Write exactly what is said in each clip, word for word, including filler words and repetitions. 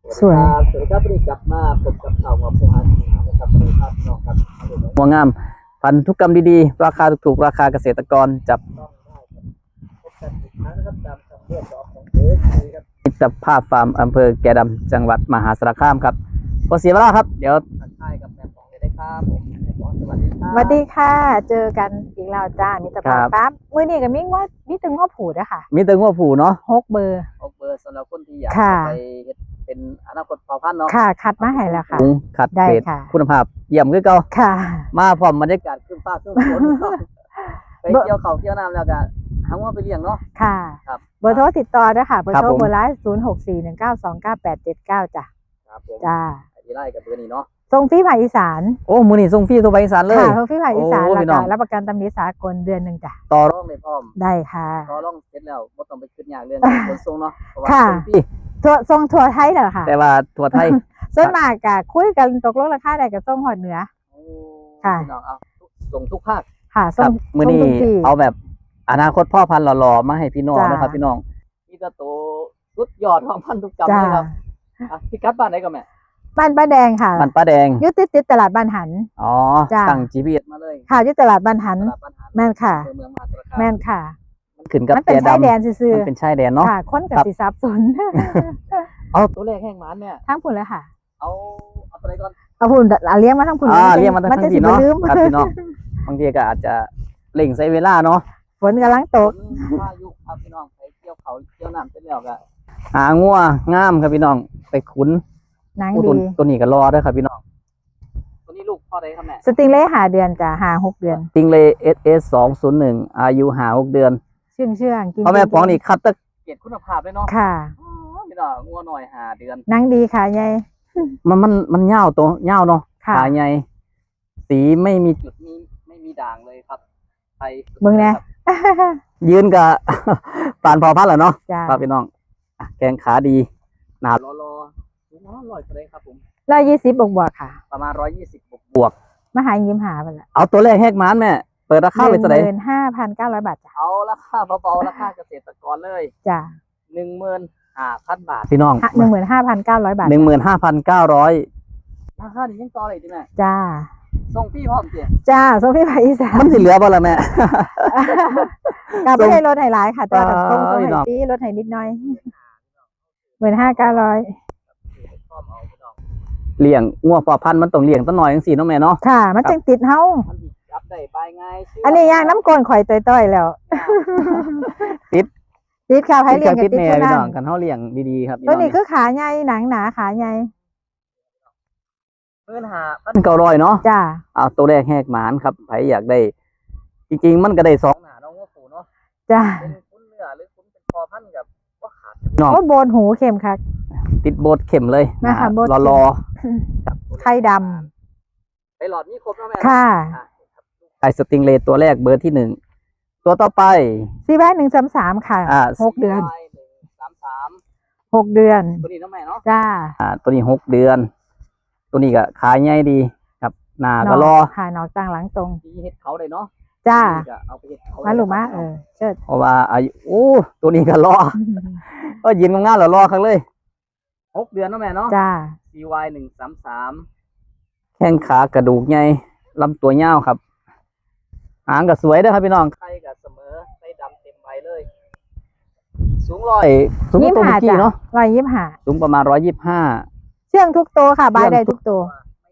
สวยสวัสดีครับวันนี้กลับมาพบกับข่าวมาพงอาชีนะครับสวัสดีครับน้องครับหัวงามพันธุกรรมดีๆราคาถูกๆราคาเกษตรกรจับต้องได้ครับพบกันอีกครั้งนะครับตามคำเรียกร้องของเอฟซีครับมิตรภาพฟาร์มอำเภอแก่ดำจังหวัดมหาสารคามครับพอเสียเวลาครับเดี๋ยวทักทายกับแม่ปองเลยได้ครับผมแม่ปองสวัสดีครับสวัสดีค่ะ เจอกันอีกแล้วจ้ามิตรภาพปั๊บมือนี่กับมิ้งว่ามิตึงว่าผูดอะค่ะมีแต่งัวผูเนาะหกเบอร์ออกเบอร์สำหรับคนที่อยากไปเป็นอนาคตเผ่าพันธุ์เนาะค่ะคัดมาให้แล้วค่ะคัดเกรดค่ะคุณภาพเยี่ยมคือเก่าค่ะมาพร้อมบรรยากาศขึ้นฟ้าขึ้นฝนไปเกี่ยวเขาเกี่ยวน้ำแล้วก็หาว่าไปเลี้ยงเนาะค่ะครับเบอร์โทรติดต่อด้วยค่ะเบอร์โทรเบอร์ไลน์ศูนย์หกสี่หนึ่งเก้าสองเก้าแปดเจ็ดเก้าจ้ะครับผมจ้าที่ไล่กับเบอร์นี้เนาะทรงฟรีภาคอีสานโอ้มือนี่ส่งฟรีทั่วไปอีสานเลยค่ะทรงฟรีภาคอีสานโอ้แล้วพี่น้ก็องรับประกันตำหนิสากลเดือนหนึ่งจ้ะต่อรองในพร้อมได้ค่ะต่อรองเสร็จแล้วไม่ต้องไปขึ้นยากเรื่องขนส่งเนาะเพราะว่าค่ะส่งฟรีทัวร์ทรงทัวร์ไทยเหรอค่ะแต่ว่าทั่วไทยส่วนมากกะคุยกันตกลงราคาได้กับส่งหอดเหนือโอ้ค่ะพี่น้องเอาส่งทุกภาคค่ะคส่รังบมือส่งนี้ทุกที่เอาแบบอนาคตพ่อพันธุ์หล่อๆมาให้พี่น้องจ้านะครับพี่น้องนี่ก็โตสุดยอดของพันธุกรรมเลยครับอ่ะพี่กัดบ้านไหนก็แม่บ้านป้าแดงค่ะมันป้าแดงอยุติดติดตลาดบ้านหันอ๋อจ้าตั้ง จี พี เอสมาเลยค่ะอยุติตลาดบ้านหันตลาดบ้านหาดแม่นค่ะอำเภอเมืองมหาสารคามแม่นค่ะมันขึ้นกับมันเป็นแก่ชายแดนดำซื่อมันเป็นชายแดนเนาะๆค่ะคนกับครับสิซับสนเอาตัวแรกแห้งหมานเนี่ยทั้งพุ่นเลยค่ะเอาเอาตัวไหนก่อนเอาพุ่นเอาเลี้ยงมาทั้งพุ่นอ่าจะเรียกมาทั้งจะทีสิบ่เนาะลืมครับพี่น้องบางทีก็อาจจะเล่งใช้เวลาเนาะฝนกำลังตกพายุครับพี่น้องไปเกี่ยวเขาเกี่ยวน้ำเสร็จแล้วก็หางัวงามครับพี่น้องไปขุนหนังอู้ดีตัวตัวนี้ก็รอด้วยครับพี่น้องตัวนี้ลูกพ่อใดครับแม่สติงเล่หาเดือนจ้ะหาหกเดือนติงเล เอส เอส สองศูนย์หนึ่งอายุหาหกเดือนเชื่องเชื่องกินพ่อแม่ป๋องนี่คัดตะเกียรติคุณภาพเลยเนาะค่ะอ๋อพี่น้องงัวหน่อยหาเดือนหนังดีค่ะยายมันมันมันเงาวตัวเงาวเนาะค่ะขาใหญ่สีไม่มีจุดมีไม่มีด่างเลยครับไทยเบิ่งแน่ยืนกับ ปานพอพัดแหละเนาะจ้าครับพี่น้องอ่ะแกงขาดีหนารอรอสูงร้อยร้อยเท่าไหรครับผมร้อยยี่สิบบวกบวกๆค่ะประมาณร้อยยี่สิบบวกบวกมาหายิ้มหาไปละเอาตัวแรกแหกหมานแม่เปิดราคาหไปนึ่งเท่าไหหร่มื่นห้าพันเก้าร้อยบาทจ้ะเอาราคาเบาๆราคาเกษตรกรเลยจ้ะหนึ่งหมื่นห้าพันบาทพี่น้องหนึ่งหมื่นห้าพันเก้าร้อยบาทหนึ่งหมื่นห้าพันเก้าร้อยราคาดียังต่อเลยดิแม่จ้าส่งพี่พร้อมเจียจ้าส่งพี่ภาคอีสานมันสิเหลือบ่ล่ะแม่กลับไม่ได้ลดให้หลายค่ะแต่ว่าเออส่งส่งพี่ให้น้องปีลดให้นิดหน่อยหมื่นห้าเก้าร้อยพร้อมเอาพี่น้องเลี้ยงงัวพอพันธุ์มันต้องเลี้ยงตั้งหน่อยจังซี่เนาะแม่เนาะค่ะ มันจังติดเฮามันดีรับได้บายง่ายชื่อันนี้ย่างน้ำกลนข่อยต้อยๆแล้วติดติดค่ะไผเลี้ยงกับติดติดแม่ผู้พี่นั้น้อน งกันเฮาเลี้ยงดีๆครับพี่ตัวน้องนี้คือขาใหญ่หนังหนาขาใหญ่หมื่นห้าพันมันเก้าร้อยเนาะจ้าเอาตัวแรกแหกหมานครับไผอยากได้ จริงๆมันก็ได้สองหนาน้องว่าผูเนาะจ้าเป็นคุ้นเนื้อหรือคุ้นเป็นพอพันกับว่าขาดพี่น้องโอ้โบนหูเข็มค่ะติดโบสถ์เข็มเลยมาค่ะโบสถ์รอเข็มรอไข่ดไปหลอดนี่ครบแล้วแม่ำค่ะอ่ะไอสติงเลตัวแรกเบอร์ที่หนึ่งตัวต่อไปซีแวหนึ่งสามสามค่ะอ่าหกเดือนหนึ่งสามสามหกเดือนตัวนี้น้องแม่เนาะจ้าอ่าตัวนี้หกเดือน ตัวนี้ก็ขายใหญ่ดีครับหน้าก็รอค่ะนอกต่างหลังตรงที่เฮ็ดเขาเลยเนาะจ้านี่ก็เอาไปเฮ็ดเขามาลูกมาเออเชิดเพราะว่าอายุโอ้ตัวนี้ก็รอก็ยืนงานๆแล้วรอครั้งเลยหกเดือนเนาะแม่เนาะจ้าซี วาย หนึ่งสามสามแข้งขากระดูกใหญ่ลำตัวยาวครับหางก็สวยเด้อครับพี่น้องไข่กับเสมอไส้ดำเต็มใบเลย สูงร้อยไอ้สูงกยิ้ว่าม ตัวหาเมื่อกี้จ้ะเนาะรอยยิ้มหาสูงประมาณร้อยยี่สิบห้าเชื่องทุกตัวค่ะบายได้ทุกตัว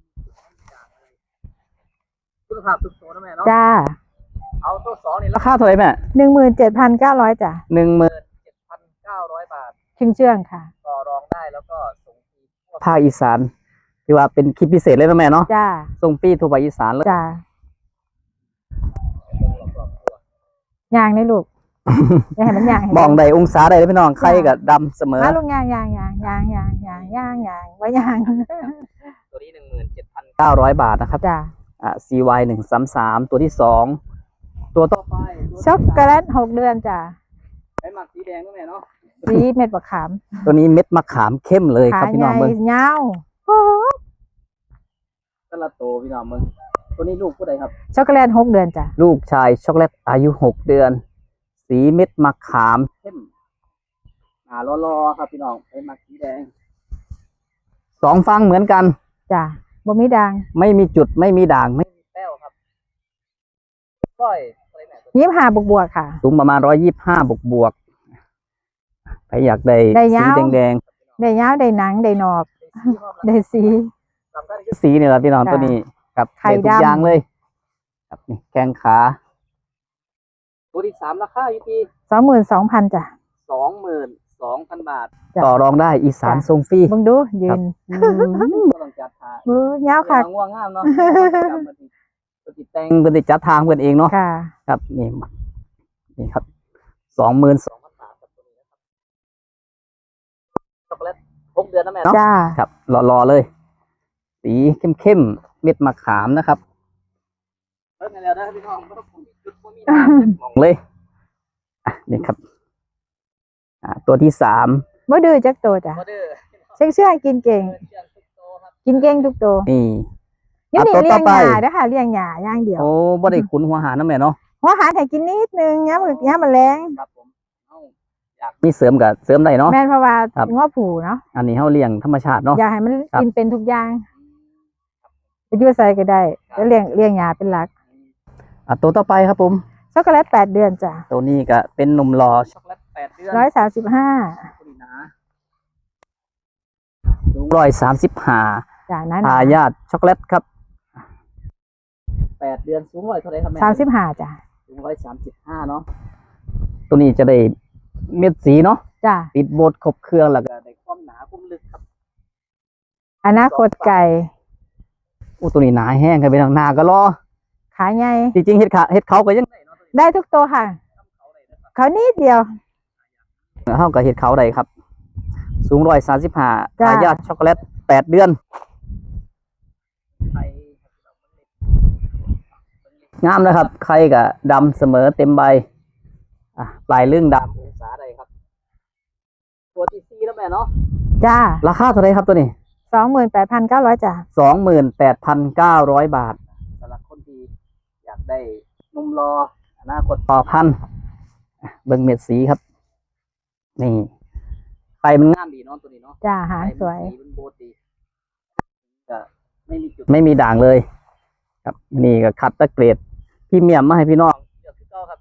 คุณภาพทุกตัวนะแม่เนาะจ้าเอาตัวสองนี่ราราคาคาเท่าไหร่แม่หนึ่งหมื่นเจ็ดพันเก้าร้อยจ้ะหนึ่งหมื่นเจ็ดพันเก้าร้อยบาทเชื่องเชื่องค่ะต่อรองได้แล้วก็ส่งฟรีทั่วภาคอีสานที่ว่าเป็นคลิปพิเศษเลยนะแม่เนาะจ้าส่งฟรีทั่วภาคอีสานเลยจ้ารอบๆตัวยางในลูก อย่าให้มันยางให้มองได้องศาได้เลยพี่น้องไข่กับดำเสมอมาลูกยางยางยางยางยางยางยางยางไว้ยางตัวนี้หนึ่งหมื่นเจ็ดพันเก้าร้อยบาทนะครับจ้าอ่า ซี วาย หนึ่งสามสามตัวที่สองตัวต่อไปช็อกโกแลตหกเดือนจ้ะไอ้หมักสีแดงนะแม่เนาะสีเม็ดมะขามตัวนี้เม็ดมะขามเข้มเลยคขารับพี่ใหน้องญ่เบิ้งยาวโอ้ตละโตพี่น้องมึงตัวนี้ลูกผู้ใดครับช็อกโกแลตหกเดือนจ้ะลูกชายช็อกโกแลตอายุหกเดือน สีเม็ดมะขามเข้มอ่ารอๆครับพี่น้องไอ้หมักสีแดงสองฟังเหมือนกันจ้ะบ่มีดังไม่มีจุดไม่มีด่างไม่มีแป้วครับก้อยอะไรแม่ตัวนี้ยี่สิบห้าบวกบวกค่ะสูงประมาณร้อยยี่สิบห้าบวกบวกใครอยากได้ได้สียาวแดงได้ยาวได้หนังได้นอกๆได้สีสีเนี่ยแหละพี่น้องค่ะตัวนี้ครับไข่ได้ทุกดำอย่างเลย ครับนี่แข้งขาตัวที่สามราคาอยู่ที่สองหมื่นสองพันจ้ะสองหมื่นสองพันบาทจ้ะต่อรองได้อีสานจ้ะทรงฟรีเบิ่งดูยืนก็ต้องจัดทางมือยาวค่ะง่วงงามเนาะปฏิแต่งปฏิจัดทางเพื่อนเองเนาะค่ะครับนี่นี่ครับสองหมื่นสองพันบาทกับตัวนี้นะครับช็อกโกแลตหกเดือนนะแม่เนาะจ้าครับรอๆเลย สีเข้มๆเม็ดมะขามนะครับเลิกกันแล้วนะพี่น้องไม่ต้องผมจุดผมมีมองเลยอ่ะนี่ครับอ่าตัวที่สามบ่ดื้อจักโตจ้ะออเดอร์เชื่องเชื่องกินเก่ง กินเก่งทุกโตนี่อยู่นี่อ่ะตัวเลี้ยงต่อไปหญ้าเด้อค่ะเลี้ยงหญ้าอย่างเดียวโอ้บ่ได้ขุนหัวหารนะแม่เนาะหัวหารให้กินนิดนึงยามมื้อยามมื้อแลงครับผมเอ้าอยากมีเสริมกับเสริมได้เนาะแม่นเพราะว่าครับง้อผูเนาะอันนี้เฮาเลี้ยงธรรมชาติเนาะอยากให้มันครับกินเป็นทุกอย่างจะอยู่ใส่ก็ได้แล้วเลี้ยงเลี้ยงหญ้าเป็นหลักอ่ะตัวต่อไปครับผมช็อกโกแลตแปดเดือนจ้ะตัวนี้ก็เป็นหนุ่มรอช็อกโกแลตแปดเดือนร้อยสามสิบห้าสูงร้อยสามสิบห้าจ้ะนั้นทายาทช็อกโกแลตครับแปดเดือนสูงร้อยเท่าไหร่ครับแม่สามสิบห้าจ้ะสูงร้อยสามสิบห้าเนาะตัวนี้จะได้เม็ดสีเนาะจ้ะติดโบดครบเครื่องแล้วก็ได้ความหนาความลึกครับอนาคตไก่อู้ตัวนี้หนาแห้งครับพี่น้องหนาก็รอขาใหญ่จริงๆเห็ดขาเห็ดเขาก็ยังได้เนาะได้ทุกตัวค่ะ เขานิดเดียวเท่ากับเห็ดเขาได้ครับ สูงร้อยสามสิบห้าจ้ะทายาทช็อกโกแลตแปดเดือนงามนะครับไข่กับดำเสมอเต็มใบอ่ะปลายเรื่องดำองศาใดครับ ตัวที่สี่แล้วแม่เนาะจ้าราคาเท่าไหรครับตัวนี้สองหมื่นแปดพันเก้าร้อยจ้ะสองหมื่นแปดพันเก้าร้อยบาทสำหรับคนที่อยากได้นุ่มรออนาคตต่อพันอ่ะเบิ่งเม็ดสีครับ นี่ไข่มันงามดีเนาะตัวนี้เนาะจ้าหางสวยไข่มันสีมันโบดดีก็ไม่มีจุดไม่มีด่างเลย ครับ นี่ก็คัดตะเกรดพรี่เมียมมาให้พี่น้องเลือกคือเก่าครับ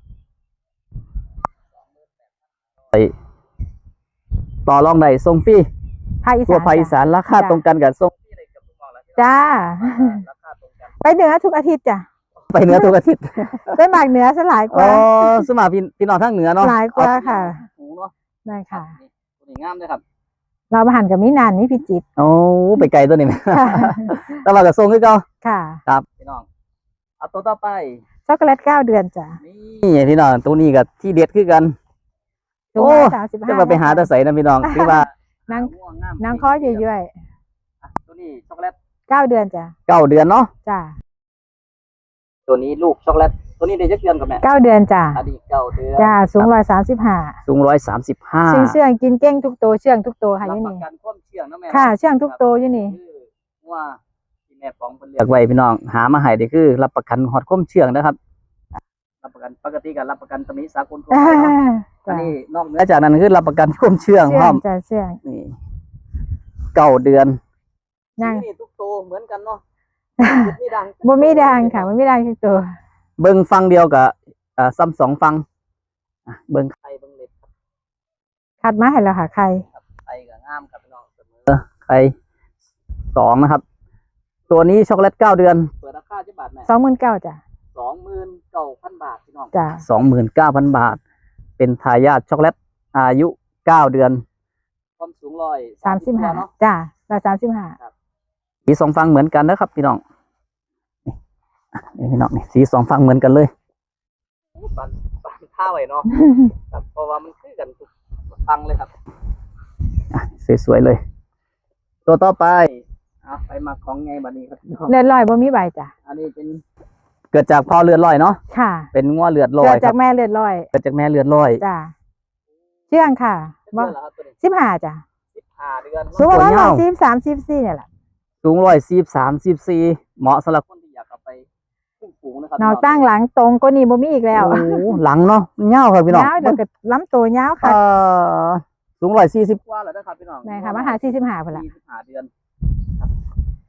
ไปต่อรองได้ส่งฟรีภาคอีตัวสานภาคอีจ้ะสานราคาจ้ะตรงกันกับส่งฟรีเลยกับทุกหม้อแล้วจ้าราคาตรงกันไปเหนือทุกอาทิตย์จ้ะไปเหนือทุกอาทิตย์ไปหมากเหนือซะหลายกอ๋อว่าสมาพี่พี่น้องทางเหนือเนาะหลายกว่าค่ะหูเนาะได้ค่ะตัวนี้งามเลยครับเรามาหันกับมินานนี่พิจิตรโอ้ไปไกลตัวนี้ไหมค่ะแต่ว่าก็ส่งคือเก่าค่ะครับพี่น้องเอาตัวต่อไปช็อกโกแลตเก้าเดือนจ้ะนี่พี่น้องตัวนี้กับที่เด็ดคือกันสูงโอ้ร้อยสามสิบห้าจะมาไปหาตะใสนะพี่น้องคือว่านั่งง่วงงามนางข้อเยื่อยอ่ะตัวนี้ช็อกโกแลตๆเก้าเดือนจ้ะเก้าเดือนเนาะจ้าตัวนี้ลูกช็อกโกแลตตัวนี้ได้จักเดือนกับแม่เก้าเดือนจ้ะอันนี้เก้าเดือนจ้าสูงร้อยสามสิบห้าสูงร้อยสามสิบห้าเชื่องเชื่องกินเก้งทุกตัวเชื่องทุกตัวค่ะอรับยู่ประนี่กันความเชื่องนะแม่ค่ะเชื่องทุกตัวอยู่นี่คือว่าที่แม่ปองเพิ่นเลือกไว้พี่น้องหามาให้ได้คือ รับประกันฮอดความเชื่องนะครับรับประกันปกติก็รับประกันตำหนิสากลทั่วไปเนาะ อันจ้ะนี้นอกเหนือจากนั้นคือรับประกันความเชื่องพเชื่ร้ออง มจ้ะเชื่องนี่เก้าเดือนยังนี่ทุกตัวเหมือนกันเนาะมีดังบ่มีดังค่ะบ่มีดังทุกตัวเบิ้งฟังเดียวกับอ่าซ้ำสองฟังอ่ะเบิ้งไข่เบิ้งเล็บคัดมาให้แล้วค่ะใครครับไข่กับงามครับพี่น้องเสมอไข่สองนะครับ ตัวนี้ช็อกโกแลตเก้าเดือนเปิดราคาจะบาทแม่สองหมื่นเก้าจ้ะสองหมื่นเก้าพันบาทพี่น้องจ้ะสองหมื่นเก้าพันบาท เป็นทายาทช็อกโกแลตอายุเก้าเดือน ความสูงร้อยสามสิบห้าเนาะจ้ะร้อยสามสิบห้าสีสองฟังเหมือนกันนะครับพี่น้องนี่อ่ะนี่พี่น้องนี่สีสองฟังเหมือนกันเลยปันปันท่าไว้เนาะ ครับเพราะว่ามันคือกันทุกฟังเลยครับอ่ะสวยๆเลย ตัวต่อไปอ่ะไปมาของไงบัดนี้ครับพี่น้องเลือดลอยบ่มีใบจ้ะอันนี้เป็นเกิดจากพ่อเลือดลอยเนาะค่ะเป็นง้อเลือดลอเกิยดคจารักบแม่เลือดลอยเกิดจากแม่เลือดลอยจ้ะเชื่องค่ะบ่เดือนละครับตัวนี้สิบห้าจ้ะสิบห้าเดือนสูงประมาณตัวยาวสิบสามสิบสี่เนี่ยแหละสูงร้อยสี่สามสิบสี่เหมาะสำหรับคนที่อยากเอาไปขึ้นสูงนะครับนอกตั้งหลังตรงก็นี่บ่มีอีกแล้วโอ้โหหลังเนาะมันยาวครับพี่น้องยาวเดี๋ยวก็ล้ำตัวยาวค่ะเอ่อสูงร้อยสี่สิบกว่าแล้วนะครับพี่น้องแม่ค่ะมาหาสี่สิบห้าพุ่นละสี่สิบห้าเดือน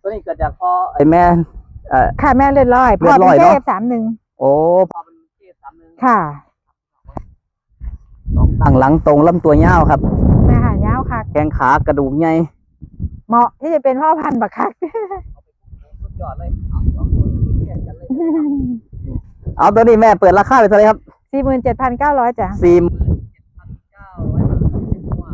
ตัวนี้เกิดจากพ่อไอแม่เอ่อค่ะแม่เลือดลอยเลืพ่ออดลเป็อยนเนเคอะเอฟสามหนึ่งโอ้พ่อเป็นเกสามหนึ่งค่ะตั้งหลังตรงลำตัวยาวครับแม่หายาวค่ะแข้งขากระดูกใหญ่เหมาะที่จะเป็นพ่อพันธุ์บักคักสุดยอดเลยเอาสองตัวนี้แข่งกันเลยเอาตัวนี้แม่เปิดราคาไปเท่าไหร่ครับสี่หมื่นเจ็ดพันเก้าร้อยจ้ะสี่พันเก้าร้อยบาทเป็นว่า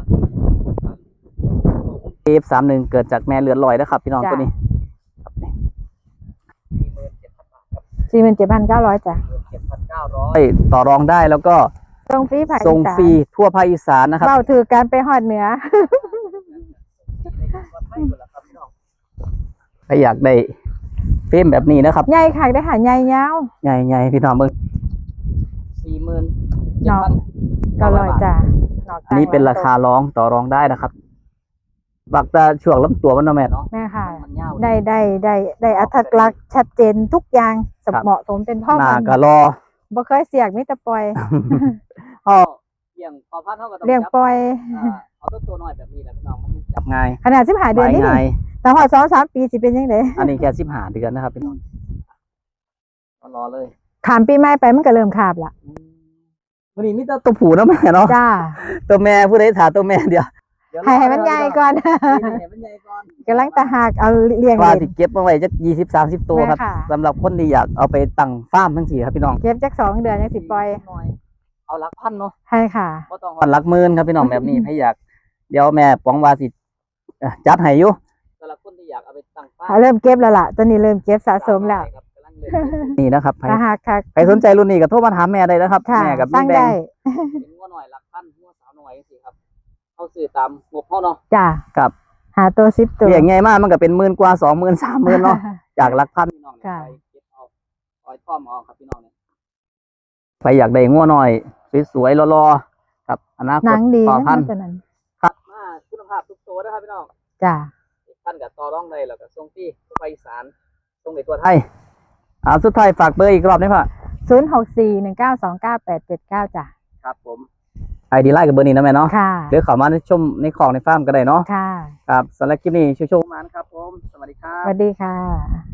เอฟสามหนึ่งเกิดจากแม่เลือดลอยนะครับพี่น้องตัวนี้ครับนี่สี่หมื่นเจ็ดพันบาทครับสี่หมื่นเจ็ดพันเก้าร้อยจ้ะเจ็ดพันเก้าร้อยเอ้ยต่อรองได้แล้วก็ส่งฟรีภาคส่งอีสานฟรีทั่วภาคอีสานนะครับเบ้าถือการไปหอดเหนือใครอยากได้เฟรมแบบนี้นะครับใหญ่ค่ะได้หาใหญ่ยาวใหญ่ๆพี่น้องเบิ่งสี่หมื่นเนาะ เก้าร้อยจ้ะอันนี้เป็นราคาร้องต่อรองได้นะครับบักตาช่วงลำตัวมันเนาะแม่เนาะแม่ค่ะมันยาวได้ได้ได้ได้อัตลักษณ์ชัดเจนทุกอย่างสมเหมาะสมเป็นพ่อหน้าพันธุ์ก็รอบ่เคยเสียกมิตรปล่อยพ่อเลี้ยงพอพันเท่ากับเลี้ยงปล่อยเอาตัวตัวน้อยแบบนี้แหละพี่น้องมันจะจับง่ายขนาดสิบหาเดือนนี่ไม้ง่ายแต่พอสองสามปีสิเป็นยังไงอันนี้แค่สิบห้าเดือนนะครับพี่น้องรอเลยขามปีใหม่ไปมันก็เริ่มขาบละวันนี้มีแต่ตัวผู้เนาะแม่เนาะจ้าตัวแม่ผู้ใดถาตัวแม่เดียวให้ให้มันใหญ่ก่อนให้มันใหญ่ก่อนกำลังตะหากเอาเลี้ยงว่าเล่นสิเก็บมาไว้จักยี่สิบสามสิบตัวครับแม่ค่ะสำหรับคนที่อยากเอาไปตั้งฟาร์มทั้งสี่ครับพี่น้องเก็บจักสองเดือนยังสิปล่อยหน่อยเอาหลักพันเนาะให้ค่ะก็ต้องพันหลักหมื่นครับพี่น้องแบบนี้ ให้อยากเดี๋ยวแม่ปองว่าสิเอ่อจัดให้อยู่สำหรับคนที่อยากเอาไปตั้งฟ้าเริ่มเก็บแล้วล่ะตอนนี้เริ่มเก็บสะสมแล้วกำลังเลยนี่นะครับใครตะหากค่ะใครสนใจรุ่นนี้ก็โทรมาถามแม่ได้นะครับค่ะแม่กับสร้างแดได้งเป็นงัวหน่อยหลักพันงัวสาวหน่อยสิครับเขาซื้อตามงบเขาเนาะจ้ากับหาตัวสิบตัวเลี้ยงง่ายมากมันก็เป็นหมื่นกว่าสองหมื่นสามหมื่นเนาะจากหลักพันพี่น้องค่ะไปเก็บเอาอ้อยท่อมเอาครับพี่น้องเนี่ยใครอยากได้งัวหน่อยสวยๆรอๆกับอนาคหนัตงดีต่อนะพันตัวนั้นมาคุณภาพทุกตัวนะครับพี่น้องจ้าท่านกับต่อรองได้แล้วก็ส่งที่ทั่วไปอีสานส่งในตัวไทไทยยอ่าสุดท้ายฝากเบอร์อีกรอบได้ป่ะศูนย์หกสี่หนึ่งเก้าสองเก้าแปดเจ็ดเก้าจ้ะครับผมไอดีไลน์กับเบอร์นี้นะแม่เนาะค่ะหรือเข้ามาชมในของในฟาร์มก็ได้เนาะค่ะครับสำหรับคลิปนี้ชูๆมานะครับผมสวัสดีครัสบวัสดีค่ะ